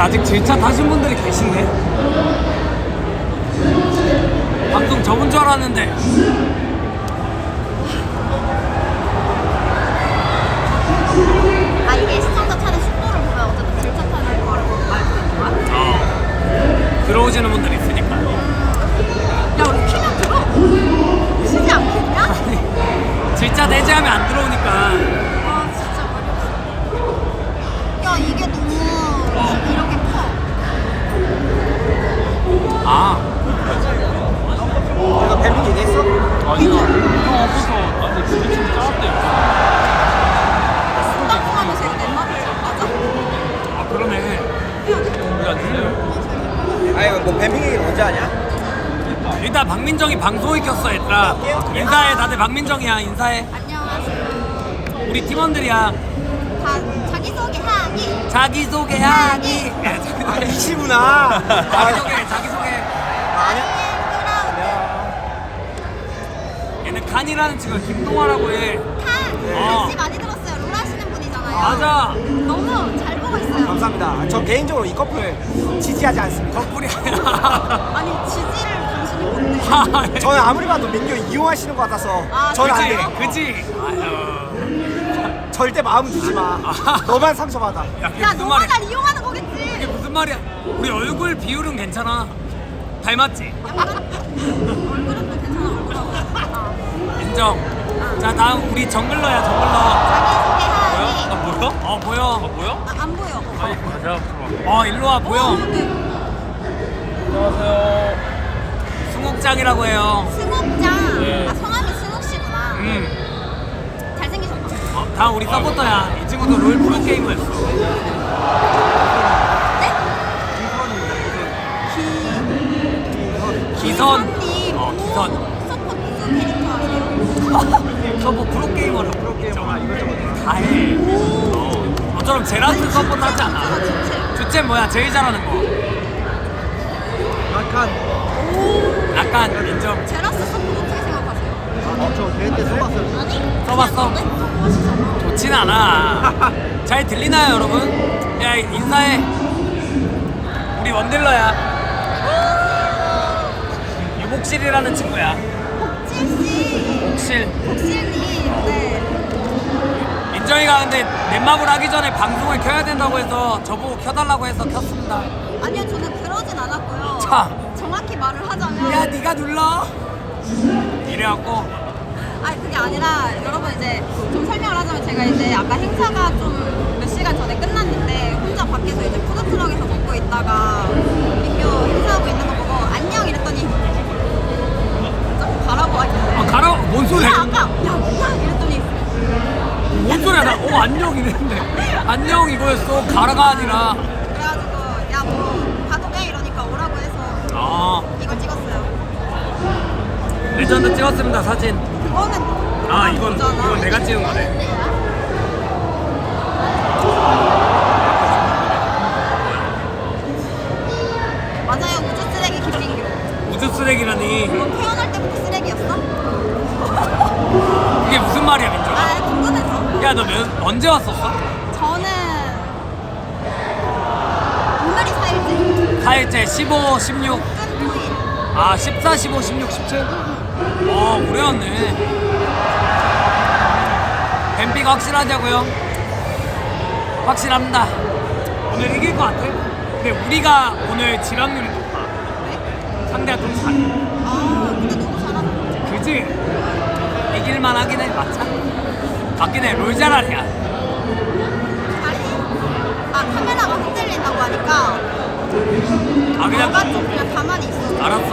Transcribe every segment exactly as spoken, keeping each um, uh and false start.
아직 질차 타신 분들이 계신데? 방송 접은 줄 알았는데. 아 이게 시청자 차는 속도를 보면 어쨌든 질차 타는 거를 알 수 있는 거야? 어. 들어오시는 분들이 있으니까. 야 우리 키면 들어? 쉬지 않겠냐? 질차 내지하면 안 들어오니까. 아 진짜 말이 없어. 야 이게 너무 이렇게 커. 아. 내가 뱀이 얘기했어? 아니야. 형 앞에서 아니 진짜 좀 짜았대. 순간순간에서 이거 내 말을 잘 맞아? 아 그러네. 우리 안 들려요. 아니 뭐 뱀이 얘기는 언제 하냐? 일단 박민정이 방송에 켰어 얘들아. 인사해. 다들 박민정이야. 인사해. 안녕하세요. 우리 팀원들이야. 다 자기소개하기. 자기소개하기. 아 이시구나. 자기소개 자기소개. 아니야? 얘는 칸이라는 친구가 김동화라고 해. 칸! 어. 역시 많이 들었어요. 롤 하시는 분이잖아요. 맞아. 너무 잘 보고 있어요. 감사합니다. 저 개인적으로 이 커플 지지하지 않습니다. 커플이야. 아니 지지를 당신이 못해. 저는 아무리 봐도 민규 이용하시는 것 같아서 아, 저는 안 그래요? 돼. 그치? 아유. 절대 마음 주지 마. 너만 상처받아. 야, 그게 야 무슨 너가 말이야? 날 이용하는 그게 거겠지. 무슨 말이야? 우리 얼굴 비율은 괜찮아. 닮았지? 약간 얼굴은 또 괜찮아 얼굴하고. 아. 인정. 자, 다음 우리 정글러야, 정글러. 자기소개하기. 아, 보여? 어, 보여. 아, 보여? 아, 안 보여. 어, 일로 와, 보여. 어, 네. 안녕하세요. 승욱장이라고 해요. 승욱장. 아 성함이 승욱씨구나. 음. 잘생기셨다. 어, 다 우리 서포터야. 이 친구도 롤 프로게이머 했어. 네? 기선. 기선님. 어, 기선. 서포 무슨 캐릭터 하세요? 서포 프로게이머라, 프로게이머라. 이것저것 다 해. 어. 너처럼 제라스 서포트 하지 않아. 주체 뭐야? 제일 잘하는 거. 약간 약간 인정. 제라스 서포 어떻게 생각하세요? 저 대회 때 써봤어요. 아니? 써봤어? 좋진 않아. 잘 들리나요, 여러분? 야, 인사해. 우리 원딜러야. 유복실이라는 친구야. 복질씨. 복실. 복실님. 네. 민정이가 근데 넷마블 하기 전에 방송을 켜야 된다고 해서 저보고 켜달라고 해서 켰습니다. 아니요, 저는 그러진 않았고요. 자. 정확히 말을 하자면. 야, 네가 눌러. 이래갖고 아니, 그게 아니라, 여러분 이제 좀 설명을 하자면 제가 이제 아까 행사가 좀 몇 시간 전에 끝났는데 혼자 밖에서 이제 푸드트럭에서 먹고 있다가 민규 행사하고 있는 거 보고 안녕 이랬더니 좀 가라고 하길래. 아, 가라. 뭔 소리야? 야, 아까 야, 뭐야 이랬더니 뭔 소리야? 나 어, 안녕 이랬는데 안녕 이거였어. 가라가 아니라. 그래가지고 야 뭐 가도 돼 이러니까 오라고 해서 아, 이걸 찍었어요. 레전드 찍었습니다, 사진. 그거는 아, 이건 거잖아. 이건 내가 찍은 거네. 맞아요, 우주 쓰레기 김민규. 우주 쓰레기라니. 너 태어날 때부터 쓰레기였어? 그게 무슨 말이야, 민정아? 아 궁금해서. 야, 너 몇, 언제 왔었어? 저는 오늘이 사일째. 사일째 십오, 십육. 끈 구 일. 아, 십사, 십오, 십육, 십칠? 어, 오래 왔네. 뱀피가 확실하냐고요? 확실합니다. 오늘 이길 것 같아. 근데 우리가 오늘 지각률이 높아. 왜? 상대가 좀 잘해. 아 근데 너무 잘하는 그지? 이길만 하긴 해. 맞자. 맞긴 해. 롤 잘하냐. 잘해? 아 카메라가 흔들린다고 하니까 아, 그냥 너가 좀 그냥 가만히 있어. 알았어.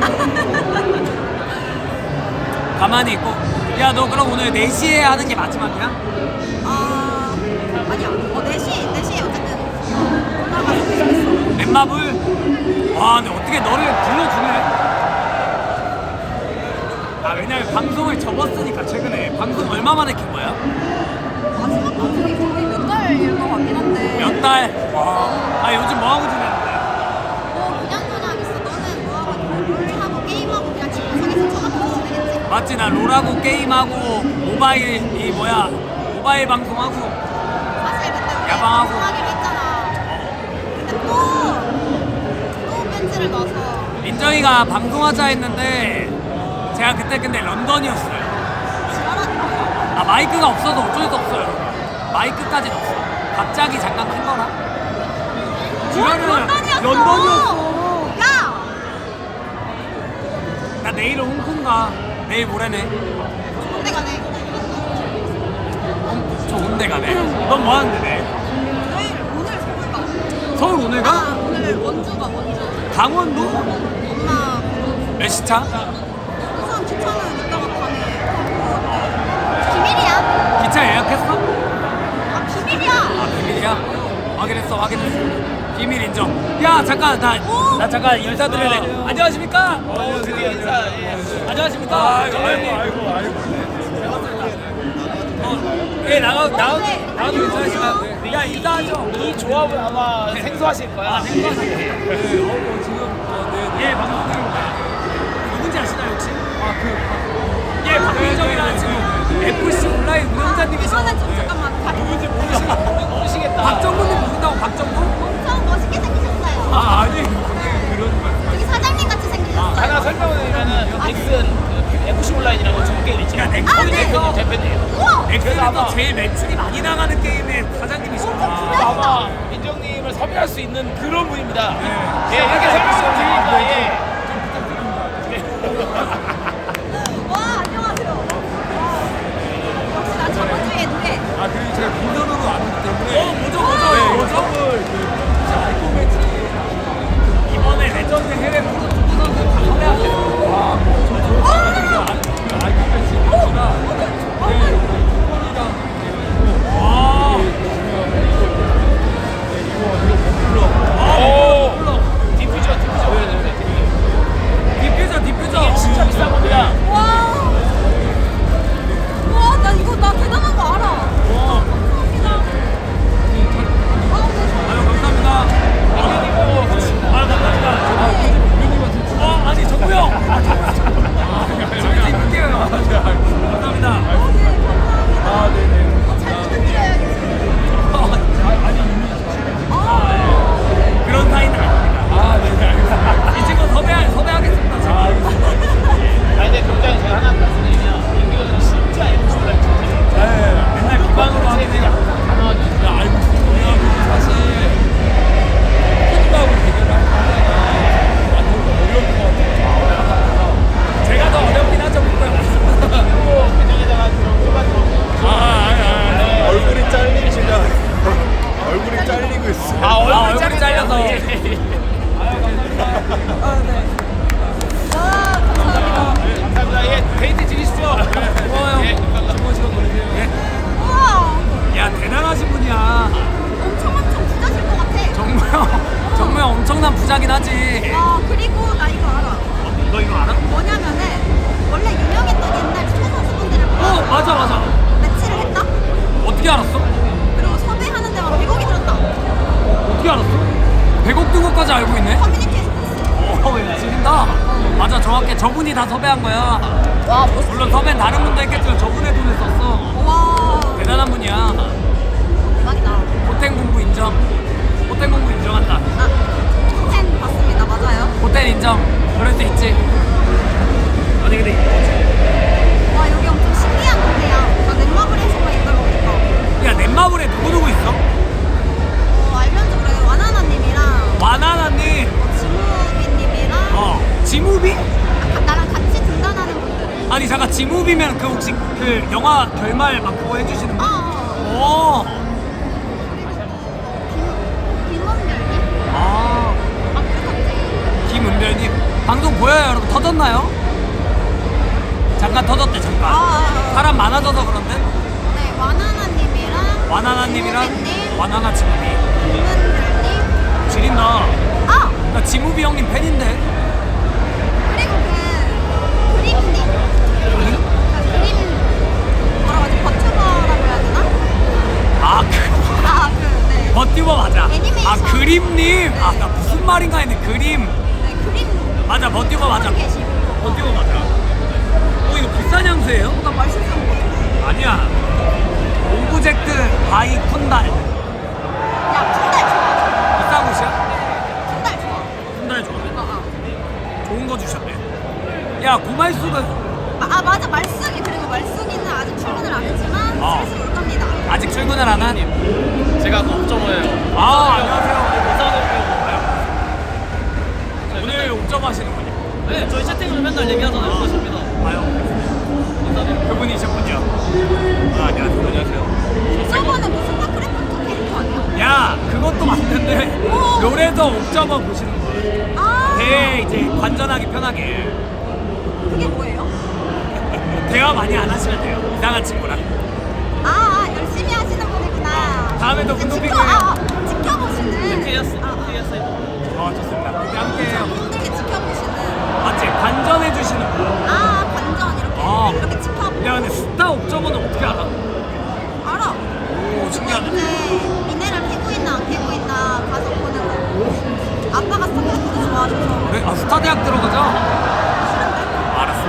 가만히 있고. 야, 너 그럼 오늘 네 시에 하는 게 마지막이야? 아 아니야. 어 네 시 네 시에 어쨌든 올라가서 있어. 넷마블? 와, 근데 어떻게 너를 불러주네? 아, 왜냐면 방송을 접었으니까 최근에. 방송 얼마 만에 킨 거야? 마지막 방송이 거의 몇 달일 것 같긴 한데. 몇 달? 와. 아, 요즘 뭐 하고 지내는데? 뭐 그냥 그냥 있어. 너는 뭐 하고 롤하고 게임하고 그냥 집구석에서 쳐다보고 지내겠지? 맞지? 나 롤하고 게임하고 모바일 이 뭐야 모바일 방송하고 사실 그때 우리 야방하고. 방송하기로 했잖아. 근데 또 배지를 넣어서. 민정이가 방송하자 했는데 제가 그때 근데 런던이었어요. 지랄하니까. 아 마이크가 없어서 어쩔 수 없어요. 마이크까지 없어. 갑자기 잠깐 큰 거라. 지랄은 런던이었어. 런던이었어. 야! 나 내일은 홍콩 가. 내일 모레네. 군대 가네. 좋은 데 가네. 넌 뭐 하는데 내일? 내일 오늘 서울 가. 서울 오늘 아, 가? 오늘 원주 가 원주. 강원도? 엄마 보러. 몇 시 차? 우선 기차는 이따가 가네. 비밀이야. 기차 예약했어? 아 비밀이야. 아 비밀이야? 확인했어 확인했어. 비밀 인정. 야 잠깐 나, 오! 나 잠깐 인사드려야 돼. 안녕하십니까? 어, 드디어 인사. 예. 안녕하십니까? 아이고, 정현님. 아이고, 아이고. 예 나가 나가 나가도 괜찮으시면 야 인사하죠. 이 조합은 아마 생소하실 거야. 아 생각하세요. 네. 어, 지금 어, 네, 예 방송 중입니다. 누군지 아시나요 혹시? 아그 예 박민정이라는 지금 에프씨 온라인 운영자님이셔. 이거는 좀 잠깐만. 누군지 모르시, 모르시겠다. 박정구님 모른다고 박정구? 엄청 멋있게 생기셨어요. 아 아니 그런 말. 여기 사장님 같이 생기셨어요. 하나 설명을 드리면은 넥슨 그 에프씨 온라인이라고 중국 게임 있지. 야, 넥슨 아, 네. 대표님, 대표님. 우와! 엑셀에서 제일 매출이 많이 나가는 게임의 사장님이시구나. 그래서 아마 민정님을 섭외할 수 있는 그런 분입니다. 예, 이렇게 설명을 드리니까 예. 와 안녕하세요. 와. 역시 난 자본주의의 노예. 아 그리고 제가 민선으로 왔기 때문에 어 뭐죠 뭐죠 네, 뭐죠? 선물 그 아이폰 매치 이번에 레전드 해외 프로 축구 선수 다 섭외하겠어요. 아이폰 매치가 네, 폰이랑 와. 오, 디퓨저, 디퓨저 보여드립니다. 디퓨저 디퓨저. 진짜 비싼 겁니다. 와. 와, 나 이거 나 대단한 거 알아. 감사합니다. 아, 아유 감사합니다. 민정님하고 같이. 아 감사합니다. 어 아니 정우 형. 재밌게 입을게요. 감사합니다. 아 네네 잘 부탁드려야겠어요. 그런 사이는 아닙니다. 아 네네 알겠습니다 이 친구 섭외 섭외하겠습니다. 제가. 아, 근데 굉장히 제가 하나 말씀드리면 민규는 진짜 에프씨 온라인 진짜. 네 맨날 기반으로 하는 그냥 다 나와줘. 야, 알고 있습니다 사실 폰이하고 대결을 할 때 완전 어려울 것 같아요 제가 더 어렵긴 하죠 뭔가. 그리고 민정에다가 그런 후반 들어오고. 아, 아, 아, 얼굴이 잘리시면 얼굴이 잘리고 있어요. 아, 아, 얼굴이 얼굴이 잘려서. 예. 아, 감사합니다. 감사합니다. 예, 데이트 즐기십시오. 고마워요. 예, 감사합니다. 좋은 시간 보내세요. 우와. 야 대단하신 분이야. 엄청 엄청 부자실 것 같아. 정우 형. 정우 형 엄청난 부자긴 하지. 와, 그리고 나 이거 알아. 너 이거 알아? 뭐냐면은 원래 유명했던 옛날 축구 선수분들을 어 맞아 맞아. 매치를 했다. 어떻게 알았어? 그리고 섭외하는 데만 백억이 들었다. 어떻게 알았어? 백억 든 것까지 알고 있네? 커뮤니티에서 봤어. 어, 야, 지린다. 맞아, 정확해. 저분이 다 섭외한 거야. 와, 멋있어. 물론 섭외는 다른 분도 했겠지만 저분의 돈을 썼어. 와, 대단한 분이야. 대박이다. 호텔 공부 인정. 호텔 공부 인정한다. 아, 팬 봤습니다. 맞아요. 호텔 인정. 그럴 수 있지. 아니, 근데 이거지. 와, 여기 엄청 신기한 동네야. 나 넷마블에서만 있다 보니까. 야, 넷마블에 누구누구 있어? 어, 알면서 그래. 와나나님이랑 와나나님. 지무비님이랑 어. 지무비? 아, 나랑 같이 등단하는 분들. 아니, 잠깐, 지무비면 그 혹시 그 영화 결말 막 그거 해주시는 분? 아, 어. 오. 김, 김원별님? 아. 아, 그 갑자기. 김은별님. 방송 보여요, 여러분? 터졌나요? 잠깐 터졌대, 잠깐. 아, 아, 아. 사람 많아져서 그런데? 네, 와나나님이랑 와나나님이랑 지무비님, 와나나 지무비. 김은별님. 지린다. 아! 나 지무비 형님 팬인데. 그리고 그 그림님. 그 그림 뭐라고 하지? 버튜버라고 해야 되나? 아, 그, 아, 그, 네. 버티버 맞아. 애니메이션. 아, 그림님. 아, 나 무슨 말인가 했네. 그림. 네, 그림. 맞아, 버티버 맞아. 하고 계시고. 버티버 맞아. 어, 이거 비싼 향수예요? 나 맛있는 거. 아니야. 오브젝트 바이 쿤달. 야, 쿤달 좋아. 비싼 곳이야? 쿤달 좋아. 쿤달 좋아. 어. 야 고말숙은 아 맞아 말숙이 그리고 말숙이는 아직 출근을 안 했지만 어. 슬슬 올 겁니다. 아직 출근을 안 한? 제가 그 옵저버예요. 아 안녕하세요. 오늘 오늘 옥점 하시는군요. 네, 저희 채팅으로 맨날 얘기하잖아요. 그거 접니다. 아유 그분이셨군요. 아, 안녕하세요. 안녕하세요. 저번에 무슨 스타크래프트 캐릭터 아니야? 야 그것도 맞는데 오. 롤에서 옥점어 보시는 거예요. 아 대회 이제 관전하기 편하게 그게 뭐예요? 대화 많이 안 하시면 돼요. 이상한 친구랑. 아, 아 열심히 하시는 분이구나. 다음에도 이제 분노 지켜, 핑크에- 아, 아, 지켜보시는. 티에스, 아, 티에스. 어 좋습니다. 그때 함께 해요. 힘들게 지켜보시는. 맞지? 관전해 주시는 분. 아 관전 이렇게 아. 이렇게 지켜보고. 야 근데 스타 옥점어는 어떻게 알아? 알아. 오 근데 신기하네. 이제 미네랄 피고 있나 안 피고 있나 가서 보는 거. 아빠가 스타크래프트 좋아하셔서 그래? 아 스타 대학 들어가자. 싫은데. 알았어.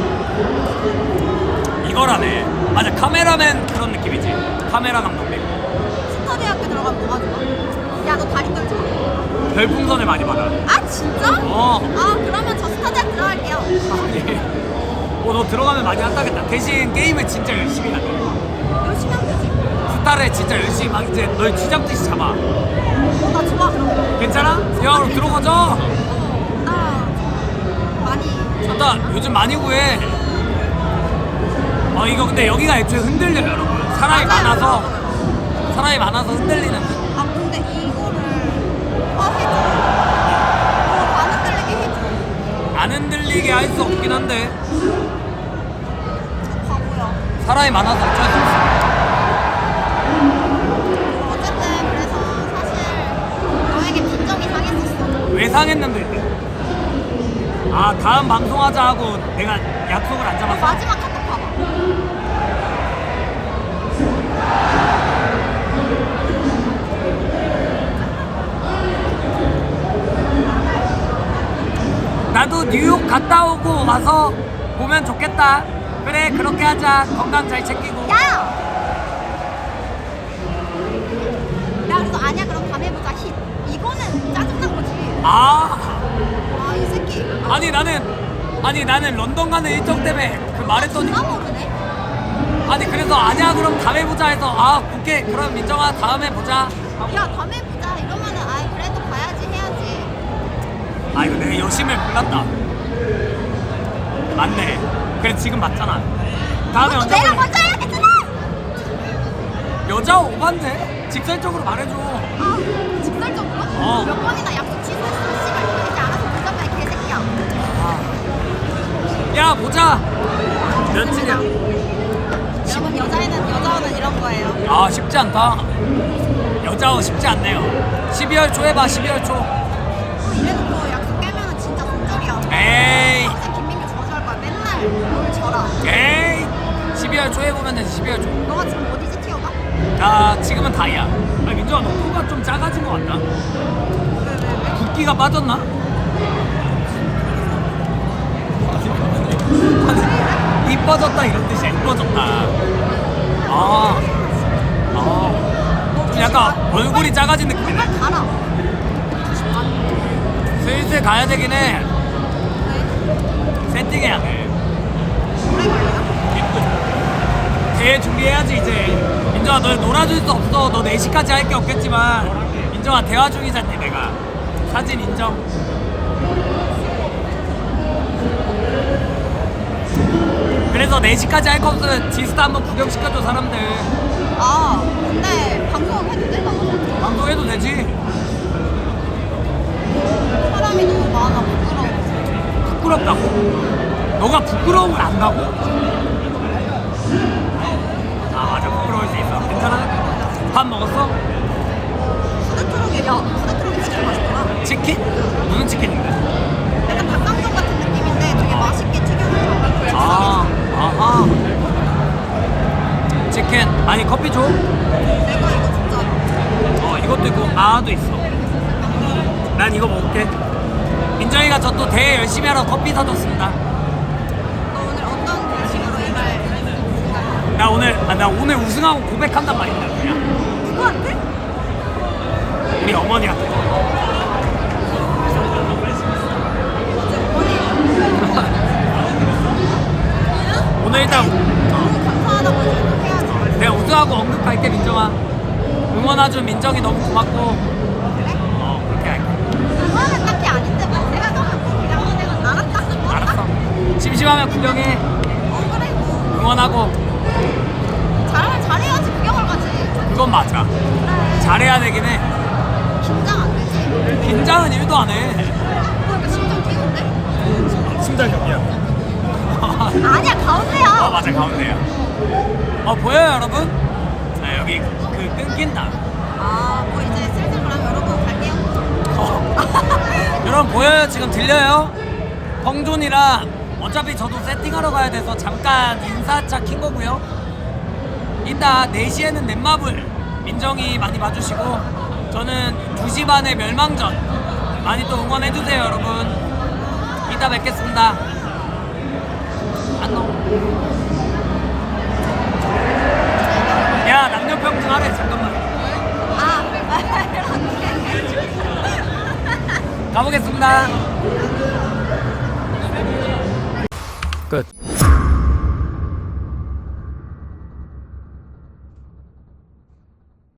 이거라네. 맞아 카메라맨 그런 느낌이지. 카메라 감독님. 스타 대학교 들어가면 뭐가 좋아? 야 너 다리 떨지 마. 별풍선을 많이 받아. 아 진짜? 어. 아 그러면 저 스타 대학 들어갈게요. 아니. 어너 들어가면 많이 한다겠다. 대신 게임을 진짜 열심히 하네. 열심히 하면 되지. 스타를 진짜 열심히 막 이제 널 쥐잡듯이 잡아. 어나 좋아 그런 거. 괜찮아? 야 그럼 들어가자. 나 많이 나 요즘 많이 구해. 어 이거 근데 여기가 애초에 흔들려요 여러분. 사람이 맞아요, 많아서 여러분. 사람이 많아서 흔들리는. 아 근데 이거를 아 해줘. 어, 안 흔들리게 해줘. 안 흔들리게 할 수 없긴 한데 저 바보야. 사람이 많아서 어쩔 수 없어. 어쨌든 그래서 사실 너에게 빈정이 상했었어. 왜 상했는데? 아 다음 방송하자 하고 내가 약속을 안 잡았어. 마지막 카톡 봐봐. 나도 뉴욕 갔다 오고 와서 보면 좋겠다. 그래 그렇게 하자. 건강 잘 챙기고. 야! 야 그래서 아니야 그럼 밤에 보자 힛. 이거는 짜증난 거지. 아 아 이 새끼. 아, 아니 나는 아니 나는 런던 가는 일정 때문에 그 말했더니 누가 모르네. 아니 그래서 아니야 그럼 다음에 보자 해서 아 오케이 그럼 민정아 다음에 보자. 야 밤에 보자 이러면은 아 그래도 봐야지 해야지. 아 이거 내 여심을 몰랐다. 맞네. 그래 지금 맞잖아. 다음에 그것도 언제 내가 볼래? 먼저 해야겠잖아. 여자 오반데? 직설적으로 말해줘. 아 직설적으로? 어. 몇 번이나 약속 취소했어. 씨발 이거 이제 알아서 보자마 이 개새끼야. 야 보자. 며칠이야? 여러분 여자애는 여자어는 이런 거예요. 아 쉽지 않다. 여자어 쉽지 않네요. 십이월 초에 봐. 십이월 초. 어, 이래놓고 약속 깨면은 진짜 손절이야. 에이 평생 김민규 저주할 거야. 맨날 뭘 져라. 에이 십이월 초에 보면 되지. 십이월 초. 너가 지금 어디지 티어가? 아 지금은 다이야. 아 민정아 너 코가 좀 작아진 것 같다. 왜 왜 왜? 붓기가 빠졌나? 아니, 이뻐졌다 이런 뜻이야. 이뻐졌다. 아, 아, 좀 약간 얼굴이 작아진 느낌이네. 빨리 가라. 슬슬 가야 되긴 해. 왜? 세팅해야 돼. 오래 걸려요? 대회 준비해야지 이제. 민정아 널 놀아줄 수 없어. 너 네 시까지 할 게 없겠지만 민정아 대화 중이잖니 내가. 사진 인정. 그래서 네 시까지 할 거 없으면 지스타 한번 구경시켜줘 사람들. 아 근데 방송은 해도 돼? 나는? 방송해도 되지. 사람이 너무 많아 부끄러워. 부끄럽다고? 너가 부끄러움을 안다고? 아 맞아 부끄러울 수 있어. 괜찮아? 밥 먹었어? 푸드트럭이 야 푸드트럭이 치킨 맛있더라. 치킨? 무슨 치킨인데? 약간 닭강정 같은 느낌인데 되게 맛있게 튀겨놓더라고. 아 아하 치킨. 아니 커피 줘? 내가 이거 진짜 어 이것도 있고 아도 있어. 난 이거 먹을게. 민정이가 저 또 대회 열심히 하러 커피 사줬습니다. 너 오늘 어떤 결심으로 이말 생각해? 나 오늘 아, 나 오늘 우승하고 고백한단 말이야 그냥. 누구한테? 우리 어머니한테. 이제 어머니 응원해준 민정이 너무 고맙고 어 그렇게 할게. 그거는 딱히 아닌데 뭐 생각하면 뭐 그냥 내가 알았다. 뭐 알았어. 심심하면 구경해. 어 그래 뭐 응원하고. 잘하면 잘해야지 구경을 가지. 그건 맞아. 그래. 잘해야 되긴 해. 긴장 안 되지. 긴장은 일도 안 해. 그러니까 심장 뛰는데? 심장 경이야. 아니야 어 가운데야. 맞아 가운데야. 어 보여요 여러분? 자 여기 그 끊긴다. 아뭐 이제 슬슬 그럼 여러분 갈게요. 어. 여러분 보여요? 지금 들려요? 펑존이랑 어차피 저도 세팅하러 가야 돼서 잠깐 인사차 킨 거고요. 이따 네 시에는 넷마블 민정이 많이 봐주시고 저는 두 시 반에 멸망전 많이 또 응원해주세요 여러분. 이따 뵙겠습니다. 안녕. 야 남녀평등 하래 잠깐만. 아 이렇게. 가보겠습니다.